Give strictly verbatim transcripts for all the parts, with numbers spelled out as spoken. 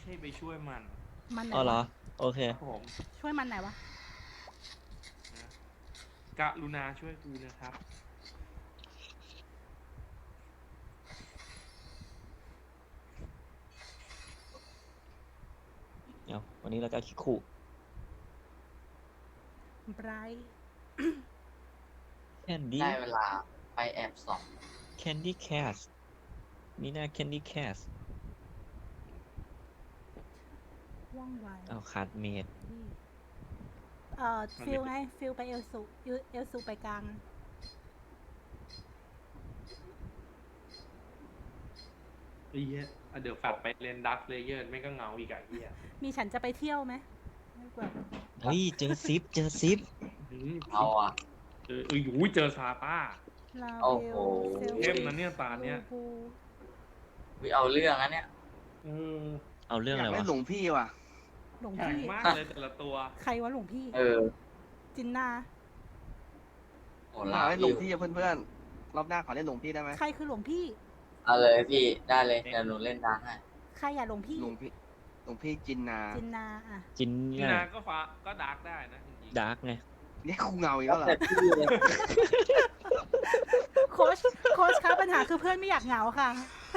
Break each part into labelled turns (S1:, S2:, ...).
S1: ช่ไปช่วยมัน
S2: มันไหน
S3: อ๋อเหรอ
S2: วะ
S3: โอเค
S1: ครับผม
S2: ช่วยมันไหนวะ
S1: นะกรุณาช่วยกูนะครับ
S3: เอาวันนี้เราจะคิดขู่
S2: ไบรท์
S3: แคนดี้
S4: ได้เวลาไปแอบส่อง
S3: แคนดี้แคสนี่น่าแคนดี้แคส
S2: ว่องไว
S3: เอาขาดเมด
S2: นี่เอ่อฟิลไงฟิลไปเอลซูเอลซูไปกลาง
S1: ไอ้เหี้ยอ่ะเดี๋ยวฝัดไปเล่นดักเลเยอร์ไม่ก็เหงาอีกอ่ะเหี้ย
S2: มีฉันจะไปเที่ยวไหมไม่กว่า
S3: เฮ้ย เจอซิป เจอซิป
S1: อืม
S4: เอาอ่ะ
S1: เออเอออุ้ยเจอซาต้า
S2: ลา
S4: โอ้
S2: เว
S4: โห
S2: ลเซล
S1: เข้มนะเนี่ยตาเนี้ย
S2: บู
S4: วิเอาเรื่องอันเนี้ย
S1: เออ
S3: เอาเรื่อง
S5: อ
S3: อะไร
S5: ยาก
S3: วะ
S5: เล่นหลวงพี่ว่ะ
S2: หลวง
S1: แข็ง
S2: พี่
S1: มากเลยแต่ละตัว
S2: ใครวะหลวงพี่
S4: เออ
S2: จินนา
S4: โห
S5: อ
S4: ลาย
S5: ากเล่นหล
S4: วิ
S5: วง
S4: ว
S5: พี่อะเพื่อนๆ รอบหน้าขอเล่นหลวงพี่ได้ไหม
S2: ใครคือหลวงพี่
S4: เอาเลยพี่ได้เลยเดี๋ยวหนูเล่นดังให้
S2: ใครอย่าหลวงพี่
S5: หลวงพี่ หลวงพี่จินนา
S2: จินนาอ่ะ
S3: จิน
S1: นี่
S3: น่า
S1: นาก็ฟ้าก็ดักได้นะจริงๆ
S3: ดาร์กไง
S5: เนี่ยครูเงาอีกแล้วเหรอ
S4: แต่พี่เลย
S2: โค้ชโค้ชคะปัญหาคือเพื่อนไม่อยากเหงาค่ะ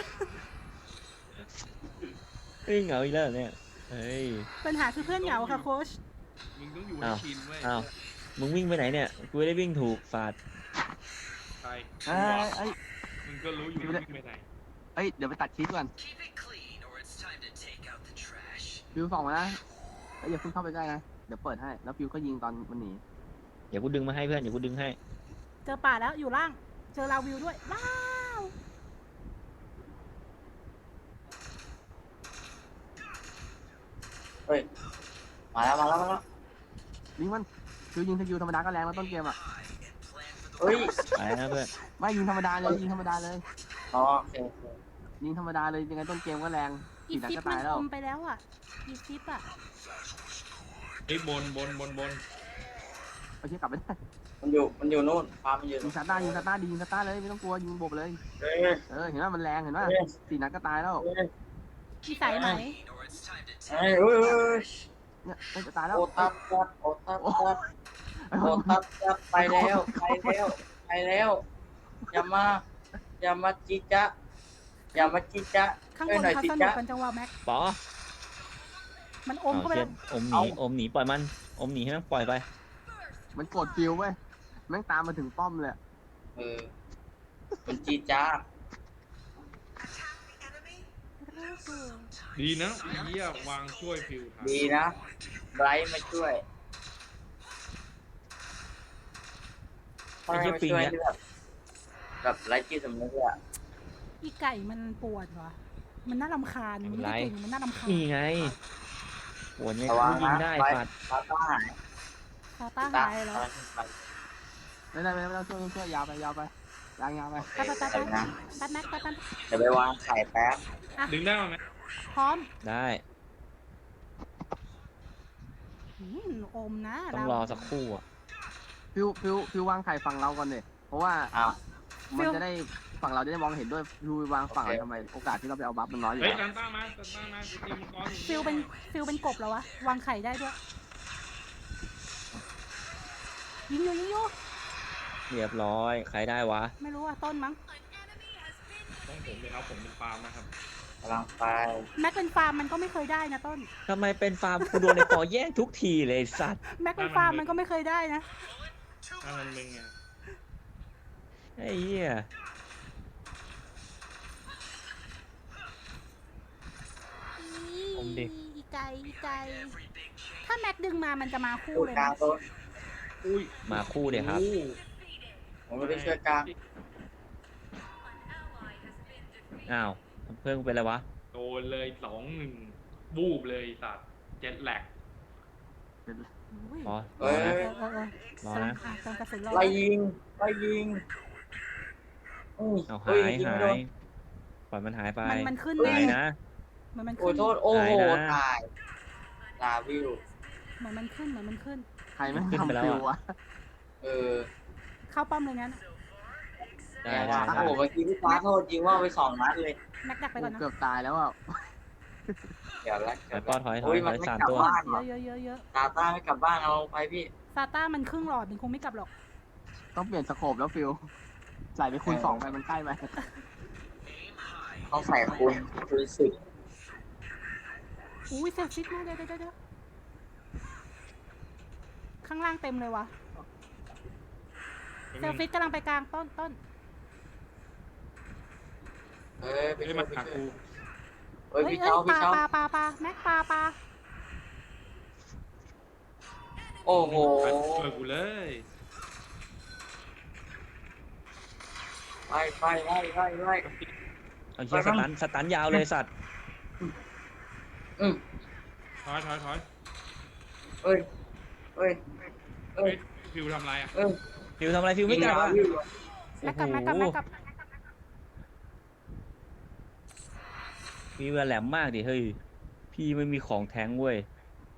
S3: เฮ้ยเหงาอีกแล้วเหรอเนี่ย เฮ้ย
S2: ปัญหาคือเพื่อนเหงาค่ะโค้ช
S1: มึงต้องอยู่ให้
S3: อ้าว
S1: ชินเว้ย
S3: อ้าว มึงวิ่งไปไหนเนี่ย กูไม่ได้วิ่งถูกฝาด
S1: ใคร
S5: เอ้ยเอ้ย
S1: มึงก็รู้อยู่ว่าวิ่งไปไหน
S5: เอ้ย เดี๋ยวไปตัดคลิปก่อน
S6: Keep it clean or it's time to take out the trash.
S5: ฟิวส่องมานะเอ้ยอย่าเพิ่งเข้าไปใกล้นะ เดี๋ยวเปิดให้ แล้วฟิวก็ยิงตอนมันหนี
S3: เดี๋ยวกูดึงมาให้เพื่อน เดี๋ยวกูดึงให้
S2: เจอป่าแล้วอยู่ล่าง เจอลาวิวด้วย ว้าว
S4: เฮ้ยมาแล้วมาแล้วมาแล้ว
S5: ยิงมัน ฟิวยิงสกิลธรรมดาก็แรงแล้วต้นเกมอ่ะ
S4: เฮ้ย
S3: ไปนะเพื่อน
S5: ไม่ยิงธรรมดาเลย ยิงธรรมดาเลย
S4: อ๋อโอเคโอเค
S5: ยิงธรรมดาเลยยังไงต้นเกมก็แรง
S2: อี
S5: สี่นัด
S2: ฟิป
S5: ก็
S2: มั
S5: ตาน ยแล้
S2: อ
S5: ว
S2: มไปแล้วอ่ะ อีฟิปอ่ะ
S1: เฮ้ยบนบนบนบน
S5: ไปเช็คกลับไปได้
S4: มันอยู่มันอยู่นู่นฟาร์มมันอยู่
S5: ยิ
S4: นู่
S5: ง
S4: น
S5: ซาต้ายิงซาต้าดียิงซาต้าเลยไม่ต้องกลัวยิงบบเลย
S4: เฮ้ย
S5: เออเห็นว่ามันแรงเห็นว่า
S4: เฮ้ย
S5: สี่นัดก็ตายแล้ว
S4: เฮ้ย
S2: มีสายไหม
S6: Or it's time to
S4: เฮ้
S6: take
S4: ย
S6: out
S4: เฮ้ย
S6: the
S4: เฮ้ย
S6: trash.
S5: เนี่ยมันจะตายแล้ว
S4: โอตับตับโอตับตับโอตับตับไปแล้วไปแล้วไปแล้วอย่ามาอย่ามาจิจะอย่ามาจิจะ
S2: ข้าง
S4: ช่
S2: บ
S4: วย
S2: น
S4: หน่อย
S2: เขา
S4: จิ
S2: สนุก
S4: จะ
S2: กันจังหวะแม็ก
S3: ปอ
S2: มันอม
S3: เอา
S2: เข้าไป
S3: เช่
S2: แล้
S3: น
S2: ว
S3: อมหนี อมหนี ปล่อยมัน อมหนีให้มันปล่อยไป
S5: มันกดฟิวเว้ยแม่งตามมาถึงป้อมเลย
S4: เออมันจิจ้า
S1: ดีนะไอ้เหี้ยวางช่วยฟิวทัน
S4: ดีนะไบรท์มาช่วย
S3: ไอ้เหี้ยปิงเนี่ย
S4: ที่แบบแบบไร้จิตสำนึกอะ
S2: อีไก่มันปวดว่ะ มันน่ารำคาญ มันไม่ได้เก่งมันน่ารำคาญ
S3: นี่ไงหัวเนี่ย
S4: ระวัง
S3: กูยิง
S4: นะ
S3: ได้
S4: ไว้
S3: ฝาด
S4: ปาต้าหาย
S2: คาต้าหายแล้ว
S5: ไม่ได้ไม่ได้ไม่ต้องช่วยช่วยยาวไปยาวไปยางยาวไป
S2: แป๊บแป๊บแป๊บ
S4: เดี๋ยวนะ
S2: แป๊บแม็กแป๊บแป๊บ
S4: เดี๋ยวไปวางไข่แป๊บ
S1: ดึงได้ไหม
S2: พร้อม
S3: ได้
S2: อืมอมนะ
S3: ต้องรอสักครู่อ่ะ
S5: ฟิวฟิวฟิววางไข่ฝั่งเราก่อนเนี่ยเพราะว่า
S4: อ้าว
S5: มันจะได้ฝั่งเราจะได้มองเห็นด้วยฟิววางฝั่งเราทำไมโอกาสที่เราไปเอาบัฟมันน้อยอยู่
S1: เฮ้ย
S5: แล้ว
S1: ตันต้ามาตันต้ามาตีมังกรอยู่
S2: ฟิลเป็นฟิลเป็นกบแล้ววะ วางไข่ได้ด้วย ยิงอยู่ยิงอยู่
S3: เรียบร้อย ใครได้วะ
S2: ไม่รู้อ่ะต้นมั้ง
S1: ต้องผมเลยครับผมเป็นฟาร์มนะครับ
S4: กำลังไป
S2: แม็กเป็นฟาร์มมันก็ไม่เคยได้นะต้น
S3: ทำไมเป็นฟาร์มกูโดนในปอแย่งทุกทีเลยไอ้สัตว์
S2: แม็กเป็นฟาร์มมันก็ไม่เคยได้นะ
S1: ถ้ามันเป็นไง
S3: ไอ้เหี้ย อมดิ
S2: อีไก่อีไก่ถ้าแม็กดึงมามันจะมาคู่
S4: พูด
S2: เลย
S4: กลา
S2: นะ
S4: งต้น
S1: อุ้ย
S3: มาคู่เดี๋ยวครับ
S1: อู้
S4: ผมไม่ได้ช่วยกลาง
S3: อ้าว เพื่อนกูเป็นอะไรวะ
S1: โดนเลยสองหนึ่งบูบเลยสัตว์เจ็ดแหลก
S2: อุ้ย
S3: อ๋อ
S4: เฮ้ย
S2: เออเออเออ
S3: รอนะ
S2: อ่ะเติมกระสุนรอ
S4: ไล่ยิงไล่ยิงอุ้ย
S3: เอาหา
S4: เฮ้
S3: ย
S4: ยิง
S3: หา
S4: ไม่โด
S3: ย
S4: น
S3: ปล่อยมันหายไป
S2: มันมันขึ้น
S3: หาย
S2: แน่
S3: นะ
S2: เหมือนมัน
S4: โอ้
S2: ขึ้น
S4: โทษโอ้โห
S3: ตายนะ
S4: ตายลาวิว
S2: เหมือนมันขึ้นเหมือนมันขึ้น
S5: ใครไม่
S3: ขึ้นไป
S5: ทำ
S3: แล้ว
S5: ฟิว
S3: อะ
S5: วะ
S4: เออ
S2: เข้าป้อมเลยงั้น
S3: ได้
S4: แย่
S3: ได้
S4: ว่ะ
S3: ได้
S4: โอ้โหเมื่อกี้พี่ฟ้าโทษยิงว่าไปสองนัดเลย
S2: แม็กดักไปก่อนนะ
S5: เกือบตายแล้วอ่ะ
S4: เดี๋ยวละ
S3: ถอยป้อถอยถอ
S4: อุ้
S3: ย
S4: ย
S3: ถ
S4: มั
S3: อน ย
S4: ไม่
S3: สาม
S4: กลับ
S3: ตัว
S4: บ้านหรอ
S2: เยอะเยอะเยอะ
S4: ตาต้าไม่กลับบ้านเอาลงไปพี่
S2: ซาต้ามันครึ่งหลอดมันคงไม่กลับหรอก
S5: ต้องเปลี่ยนสโคปแล้วฟิลใส่ไปคูณสองไปมันใกล้ไหม
S4: ต้องใส่คูณคูณสิบ
S2: อุ้ยเซลฟิตมากเดี๋ยวเดี๋ยวเดี๋ยวข้างล่างเต็มเลยวะเซลฟิตกำลังไปกลางต้นต้น
S4: เอ้ยไป
S1: เฮ้ย
S4: ช่ว
S1: มาย
S4: ไป
S1: หา
S4: ช่วย
S1: กู
S4: เอ้ย
S2: เฮ้ย
S4: พี่
S2: เอ้
S4: เจ้าย
S2: ป
S4: พี่
S2: ลา
S4: เจ้า
S2: ปลาปลาปลาแม็กปลาปลา
S4: โอ้โห
S1: เปิดกูเลย
S4: ไปไปไล่ไล่ไล่
S3: เอาเชี่ยสตันสตันยาวเลยสัตว์
S4: อืม
S1: ถอยถอยถอย
S4: เอ้ยเอ้ยเอ้
S1: เฮ้
S4: ย
S1: ยฟิวทำไรอ่ะ
S4: เอ้ย
S3: ฟิวทำอะไรฟิวไม่กลับอ่ะ
S4: ยิง
S2: แม็กกับแม็กกับแม็กกับ
S3: ฟิวแหลมมากดิเฮ้ยพี่ไม่มีของแท้งเว้ย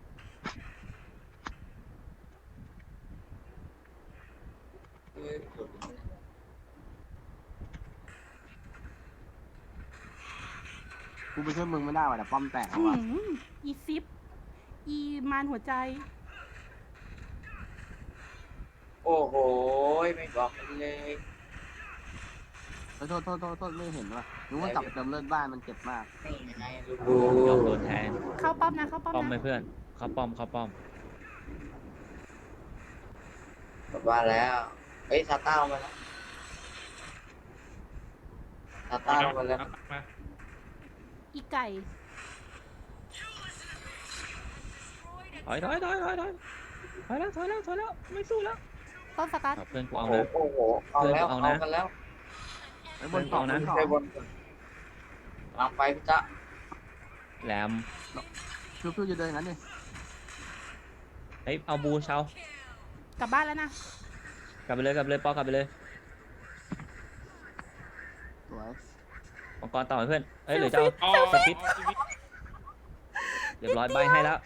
S4: เอ้ย
S5: กูไปช่วยมึงไม่ได้ว่ะแต่ป้อมแตก
S2: อื้อ
S5: ว่ะ
S2: หืออีซิปอีมานหัวใจ
S4: โอ้โหไม่บอกกันเลย
S5: โทษโทษโทษโทษไม่เห็นว่ะรู้ว่ากลับไปเติมเลือดบ้านมันเจ็บมาก
S4: นี่ไงลู
S3: โอ้
S4: ก
S3: ยอมโดนแทง
S2: เข้าป้อมนะเข้าป้อม
S3: ป้อมไหม
S2: นะ
S3: เพื่อนเข้าป้อมเข้าป้อม
S4: กลับบ้านแล้วเอ้ยซาต้าเอามาแล้วซาต้าเอามาแล้ว
S1: มา
S2: อีไก่
S3: ถอยถอยถอยถอยถอยถอยแล้วถอยแล้วถอยแล้วไม่สู้แล้ว
S2: ต้นสตาร์ท
S3: เอาเพื่อนกู
S4: โอ้
S3: เอา
S4: โห
S3: นะ
S4: โอ้โหเอาแล้ว
S3: เอา
S4: เอา
S3: นะ
S4: กันแล้ว
S5: ไอ้บนสอง
S3: เอานะ
S5: บนสอง
S4: ไปบนก่อนลองไปพี่จ๊ะ
S3: แหลม
S5: ฟิวฟิวจะเดินอย่างนั้นดิ
S3: เฮ้ยเอาบูเชาก
S2: ลับบ้านแล้วนะ
S3: กลับไปเลยกลับไปเลยปอกลับไปเลย
S5: สวย
S3: มังกรต่อให้เพื่อนเอ้ยหรือจะเอา
S1: อ๋อ
S3: สปิดเรียบร้อยใบให้แล้ว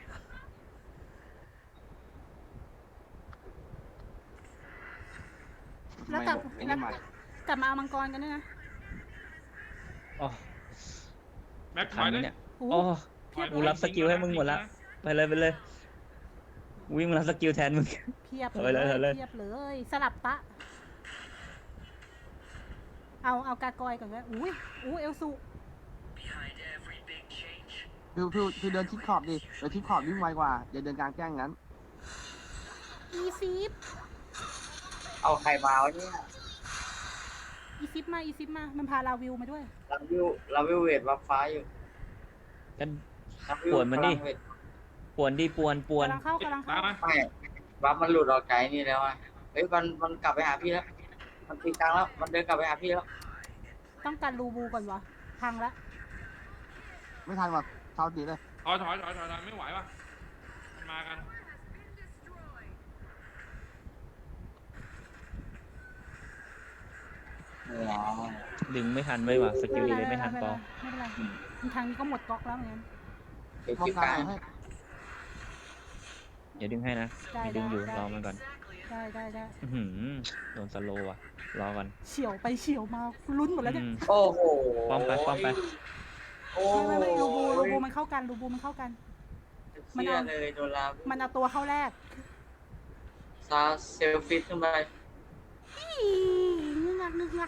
S2: แล้ว
S5: ไม่
S2: กลับ
S5: ไอ้
S2: แล้ว
S5: นี่มาก
S2: ลับมาเอามังกรกันด้วยนะ
S3: อ๋อ
S1: แม็กถ
S3: ทั
S1: อน ย
S3: ไหม
S1: เลย
S3: เนี่ย
S2: โอ้
S3: โอ้
S1: ถอย
S3: กูรับสกิลให้มึงหมดละ ไปเลยไปเลยวิ่งมารับสกิลแทนมึง
S2: เพียบ
S3: เอาไปเลยเอาเลย
S2: เพียบเลยสลับตะ เอาเอากากอยก่อนก็อุ้ยอู้เอลซู
S6: Behind every big change,
S5: ฟิวฟิวฟิวเดินชิดขอบดิเดินชิดขอบวิ่งไวกว่าอย่าเดินกลางแจ้งงั้น
S2: อีซิป
S4: เอาใครมาวะเนี่ย
S2: อีซิปมาอีซิปมามันพาลาวิวมาด้วย
S4: ลาวิวลาวิวเวทวับฟ้าอยู่
S3: กัน
S4: ลาวิว
S3: ปวดมันดิ
S4: พลังเวท
S3: ปวนดิปวนปวน
S2: กำลังเข้ากำลัง
S1: ตา
S2: เข้าม
S1: มา
S4: ไม่วับมันหลุดออกใจนี่แล้วอ่ะเฮ้ยมันมันกลับไปหาพี่แล้วมันตีกลางแล้วมันเดินกลับไปหาพี่แล้ว
S2: ต้องการรูบูก่อนวะพังละ
S5: ไม่ทันว่ะเท้าตีเลย
S1: ถอยถอยถอยถอยถอยไม่ไหวว่ะมันมากัน
S4: อ๋อ
S3: ดึงไม่ทันไว้ว่ะสกิลเลยไม่ทันปอ
S2: ไม่เป็นไรทางนี้ก็หมดก๊อกแล้วเหมือนกัน
S4: เดี๋ยว
S5: ป้อม
S4: คิว
S5: ก
S4: ก
S5: ลา
S4: ลาง ง
S5: ให้
S3: อย่าดึงให้นะ
S2: ได้
S3: มีดึงอยู่
S2: ได้
S3: รอมันก่อน
S2: ได้ได้ได้
S3: อื้อหือโดนสโลว์ว่ะรอก่อน
S2: เฉียวไปเฉียวมาลุ้นหมดแล้วเนี่ย
S3: อืม
S4: โอ้โห
S3: ป้อมไปป้อมไป
S4: โอ้
S2: ไม่ไม่ไม่รูบู
S4: โห
S2: รูบูมันเข้ากันรูบูมันเข้ากัน มัน
S4: เชื่อ
S2: เอา
S4: เลยโดนลา
S2: มันเอาตัวเข้าแรก
S4: ซาเซลฟิตขึ้นไป
S2: อีงึกงักงึกงัก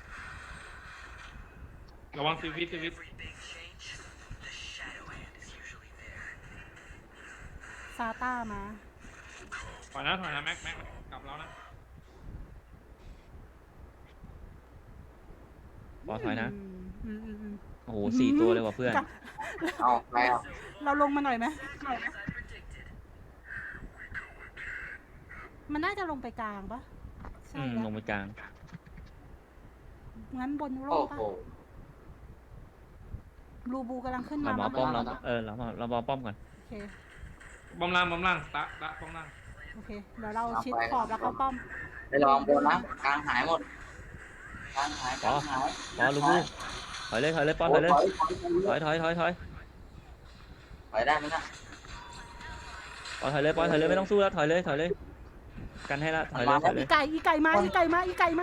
S1: ระวังซีวิตซีวิต
S6: every big change, the shadow hand is usually there.
S2: ซาต้ามา
S1: ถอยนะถอยนะแม็กแม็กกลับแล้วนะ
S3: ปอถอยนะ
S2: อืมอืมอืมอืม
S3: โอ้โหสี่ตัวเลยว่ะเพื่อน
S2: กะ
S4: เอาแล้ว
S2: เราลงมาหน่อยไหม
S6: As I predicted.
S2: มันน่าจะลงไปกลางปะใช่
S3: อืม
S2: แล้
S3: ล
S2: ว
S3: งไปกลาง
S2: งั้นบนโล
S4: โอ้
S2: กปะ
S4: โห
S2: รูบูกำลังขึ้น
S3: เรา
S2: มา
S3: มา
S2: มา
S3: ป้อมเราเออเรามาเราบอป้อมก่อน
S2: โอเค
S1: บอมล่างบอมล่างตะตะป้อมล่าง
S2: โอเค เดี๋ยวเราชิดขอบแล้วเข้าป้อม
S4: ไปลองบนนะกลางหายหมดกลางหายกลางหาย
S3: ปอลูบูถอยเลยถอยเลยปอถอยเลย
S4: ถอยถอย
S3: ถอยถอยถอยถอย
S4: ถอยได้ไหมนะ
S3: ปอถอยเลยปอถอยเลยไม่ต้องสู้แล้วถอยเลยถอยเลย กันให้ละถอยเลยถอยเล
S2: อี
S3: ย
S2: ไก่อีไก่มาอีไก่มาอีไก่มา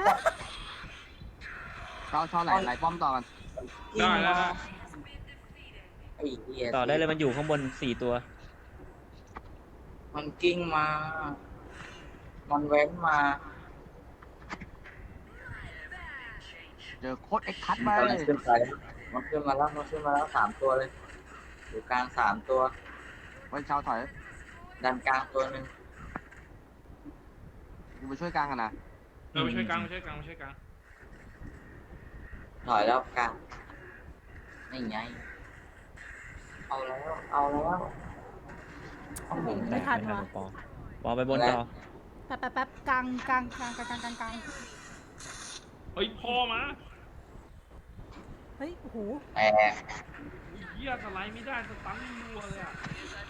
S5: เท้าเท้าไหลไหลป้อมต่อกัน
S1: ได้แล้ว
S4: เอ้เหี้ย
S3: ต่อได้เลยมันอยู่ข้างบนสี่ตัว
S4: มันกิ้งมา มันแว้นมา
S5: เจอโค้ดเอ็กคัทไป
S4: มันขึ้นไปมันขึ้นมาแล้วมันขึ้นมาแล้วสามตัวเลยอยู่กลางสามตัว
S5: ไว้เช้าถอย
S4: ดันกลางตัวหนึ่ง
S5: กูไปช่วยกลางกันนะ
S1: เออไปช่วยกลางไปช่วยกลางไปช่วยกลาง
S4: ถอยแล้วกลางนี่ไงเอาแล้วเอาแล้วโอ้โห
S2: ไม่ทัน
S3: ไม่ทัน
S2: วะ
S3: ปอปอไปบนต่อ
S2: แป๊บแป๊บแป๊บกลางกลางกลางกลางกลางกลางกลาง
S1: เฮ้ยพ่อมา
S2: เฮ้ยโอ้โห
S4: แต่
S1: ไอ้เหี้ยสไลด์ไม่ได้สตันรัวเลยอ่ะ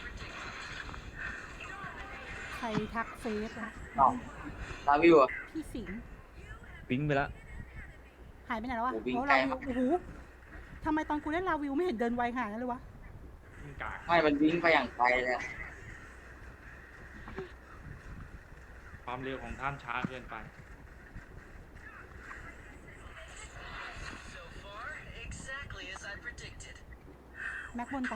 S2: ใครทักเฟซอะ
S4: น้องลาวิวอ่ะ
S2: พี่สิงห์
S3: ปิ้งไปแล้ว
S2: หายไปไหนแล้ววะ
S4: โอ้วิ่ง
S2: โอ้
S4: ไกล
S2: ลาวิ
S4: มาว ก
S2: โอ้โหทำไมตอนกูเล่นลาวิวไม่เห็นเดินไวขนาดนั้นเลยวะ
S1: มันกาก
S4: ไม่มันวิ่งไปอย่างไกลเลยอะ
S1: ความเร็วของท่านช้าเกินไป
S6: So far, exactly as I predicted.
S2: แม็กบนไป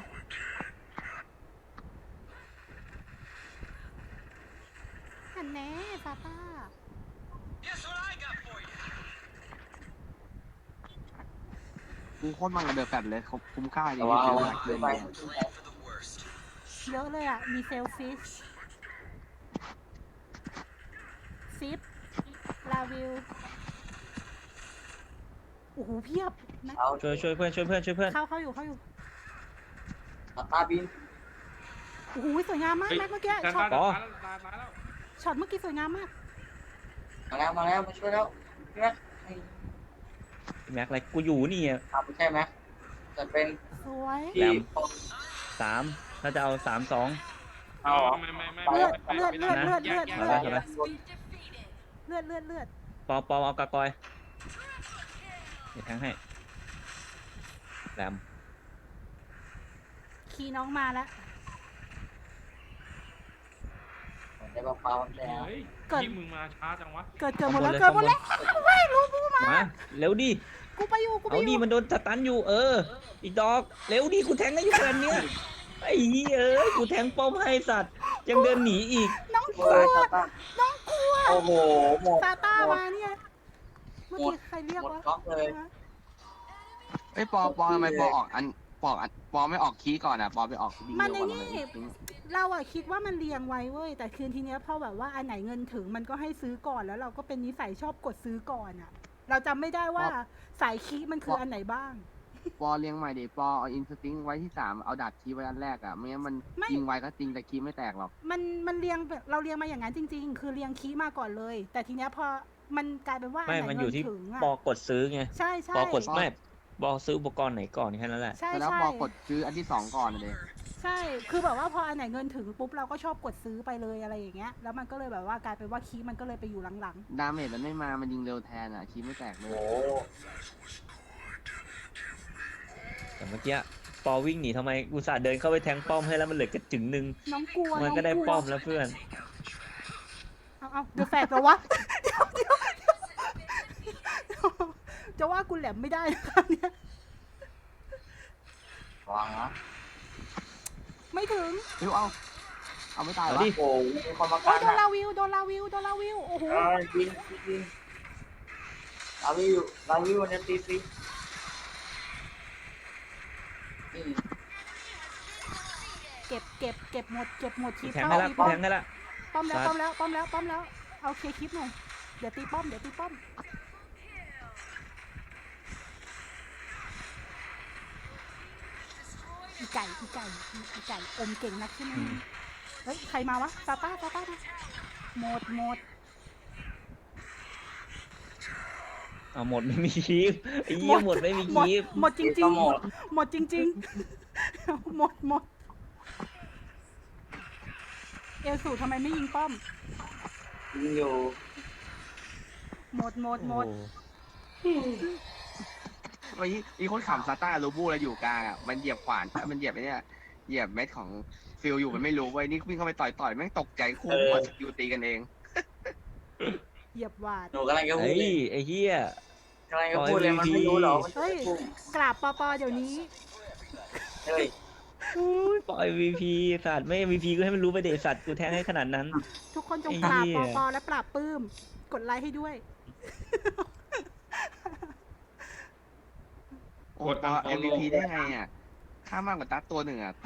S2: หันแน่ซาต้า
S6: Guess what I got for you?
S5: กูโคตรมันกับเดอะแฟตเลยเขาคุ้มค่าจริ
S4: แต่
S5: ง
S4: ว่า
S5: ๆ
S4: เอา
S5: เดิ
S4: ขึ้น
S5: น
S4: ไป
S5: ไป
S6: Plan for the worst.
S2: เยอะเลยอ่ะ มีเซลฟิชซิป ลาวิว โอ้โห เพียบนะ
S4: เอา
S3: ช่วยช่วยเพื่อนช่วยเพื่อนช่วยเพื่อน
S2: เข้าเข้าอยู่เข้าอยู่
S4: ตาบิน
S2: โอ้โห สวยงามมาก
S1: เฮ้ย
S2: แม็กเมื่อกี้
S1: ด้าน
S2: ช็อ
S1: ซ้า
S2: ต
S1: ยด้านซ้ายแล้วด้านซ้ายแล้ว
S2: ช็อตเมื่อกี้สวยงามมาก
S4: มาแล้วมาแล้วมาช่วยแล้วพี่แม็ก
S3: แม็กอะไรกูอยู่นี่อะ
S4: ทำไม่ใช่ไหมจะเป็น
S2: สวย
S4: ที่
S3: สามถ้าจะเอาสามสอง
S4: เอาเหรอ
S1: ไม่ไม่ไม่
S2: เลือด
S1: ไม่
S2: เลือด
S1: ไม่
S2: เลือด
S1: ไม่
S2: เลือด
S1: แย
S2: เลือด
S1: กแยก
S2: เลือด
S3: เอาไป
S2: เลือดเลือดเลือด
S3: ปอปอเอากากอยเดี๋ยวแทงให้แหลม
S2: ขี่น้องมาแล้ว
S4: ได้ปลาปลามันแดง
S1: เฮ้ย
S2: เกิด
S1: ยิ่งมึงมาช้าจังวะ
S2: เกิดเกิดหมดแล้วเกิดหมดแล้วเว้ยรู้กูมา
S3: มาเร็วดิ
S2: กูไปอยู่กูไป
S3: เอา
S2: อ
S3: ดิ
S2: ยู่
S3: มันโดนสตันอยู่เออ อีกดอกเร็วดิกูแทงได้อยู่ขนาดเนี้ยไอ้เหี้ยเอ้ยกูแทงป้อมให้สัตว์ยังเดินหนีอีก
S2: น้องก
S4: โอ้
S2: ลัว
S4: ยซาต้า
S2: น้องกลัว
S4: โอ้โหหมด
S2: ซาต้า
S4: หมด
S2: มาเนี่ย เมื่อกี้ใครเรียก
S4: หมด
S2: วะ
S4: ก๊อกเลย
S5: เอ้ยปอปอทำไมปอออกอันปออันปอไม่ออกคีย์ก่อนอ่ะปอไปออกดี
S2: มัน
S5: เร็
S2: ใน
S5: วกว่า
S2: นี่
S5: ทำไม
S2: เราอะคิดว่ามันเรียงไว้เว้ย แต่คืนทีเนี้ยพอแบบว่าอันไหนเงินถึงมันก็ให้ซื้อก่อนแล้วเราก็เป็นนิสัยชอบกดซื้อก่อนอะเราจำไม่ได้ว่าสายคีมันคืออันไหนบ้าง
S5: ปอเลี้ยงใหม่ดิปอเอาอินสติ้งไว้ที่สามเอาดัดคีย์ไว้อันแรกอ่ะไม่งั้นมัน
S2: ไม่
S5: ยิงไวก็จริงแต่คีย์ไม่แตกหรอก
S2: มันมันเรียงแบบเราเรียงมาอย่างนั้นจริง ๆ คือเรียงคีมาก่อนเลย แต่ทีเนี้ยพอมันกลายเป็นว่าอัน
S3: ไม่
S2: ไหน
S3: มันอ
S2: เงิ
S3: ยู่
S2: น
S3: ที่
S2: ถึงอะ
S3: ปอกดซื้อไง
S2: ใช่ใช่
S3: ปอกดไม่ปอซื้ออุปกรณ์ไหนก่อนแค่นั้นแหละ
S2: ใช่
S5: แต่แล้ว
S2: ใช่
S5: ปอกดซื้ออันที่สองก่อนเลย
S2: ใช่ คือแบบว่าพออันไหนเงินถึงปุ๊บเราก็ชอบกดซื้อไปเลยอะไรอย่างเงี้ย แล้วมันก็เลยแบบว่ากลายเป็นว่าคีมันก็เลยไปอยู่หลัง
S5: ดาเมจมันไม่มามันยิงเร็วแทนอ่ะคีย์ไม่แตกเลย
S4: โอ้
S3: แต่เมื่อกี้ปอวิ่งหนีทำไมอุตส่าห์เดินเข้าไปแทงป้อมให้แล้วมันเหลือกระจึงหนึ่ง
S2: ๆ น้องกลัว
S3: มัน
S2: น้อง
S3: ก็ได้
S2: กลัว
S3: ป้อมแล้วเพื่อน
S2: เอาเอาเดี๋ยวแฝดเหรอวะ เดี๋ยวเดี๋ยวเดี๋ยวจะว่ากูแหลมไม่ได้นะครับเนี่ย
S4: วางนะ
S2: ไม่ถึง
S5: เอ้ยเอาเอาไม่ตายวะ
S3: เอาดิ
S4: โอ้ยมีคนมา
S2: โอ้
S4: กั
S2: ย
S4: น
S2: โดน
S4: อ่ะ
S2: ลาวิว โดนลาวิว โดนลาวิว โอ้โห
S4: เออยิงยิงลาวิวลาวิวมันจะตีฟรีอืม
S2: เก็บเก็บเก็บหมด เก็บหมดที
S3: แทง
S2: เข้า
S3: ให้ละ
S2: ตีป้อม
S3: แทงให้ละ
S2: ป้อมแล้ว
S3: ซั
S2: ป้อ
S3: ด
S2: มแล้ว ป้อมแล้ว ป้อมแล้ว เอาเคลียร์คลิปหน่อย เดี๋ยวตีป้อม เดี๋ยวตีป้อม อีไก่ อีไก่ อีไก่อมเก่งนักใช่ไหมเฮ้ย ใครมาวะซาต้าซาต้ามาหมดหมด
S3: เอาหมดไม่มีคีบไอ้เหี้ยหมดไม่มี
S2: หมด
S3: คีบ
S2: หมดจริงจริ
S4: ก็
S2: ง
S4: หมด
S2: หมดจริงๆ หมดหมดเอลสูทำไมไม่ยิงป้อม
S4: ยิงอยู่
S2: หมดหมดหมด
S3: โอ้โ
S5: ไอ้อีคนขำซาต้าลูบูแล้วอยู่กลางอ่ะมันเหยียบขวานมันเหยียบไอ้เนี่ยเหยียบเม็ดของฟิลอยู่มันไม่รู้เว้ยนี่วิ่งเข้าไปต่อยต่อยแม่งตกใจคู่หมดอยู่ตีกันเอง
S2: เหยียบหวาด
S4: หนูกำลังจะพู
S3: เฮ้
S4: ด
S3: ย
S4: เลย
S3: ไอ้เหี้ย
S4: กำลังจะพูดเลยมันไม่รู้หรอกมันจะ
S2: เฮ้ย
S4: พุ่ง
S2: กราบปอปอเดี๋ยวนี้
S4: เฮ้ย
S3: อุ้ยปล่อย เอ็ม วี พี สัตว์ไม่ เอ็ม วี พี ก็ให้มันรู้ไปเดสัตว์กูแทงให้ขนาดนั้น
S2: ทุกคนจง
S3: ไอ้
S2: ปราบ
S3: เหี้
S2: ปอย ปอและปราบปลื้มกดไลค์ให้ด้วย
S5: โอ้ปอ เอ็ม วี พี ได้ไงอ่ะค่ามากกว่าตัดตัวหนึ่งอ่ะ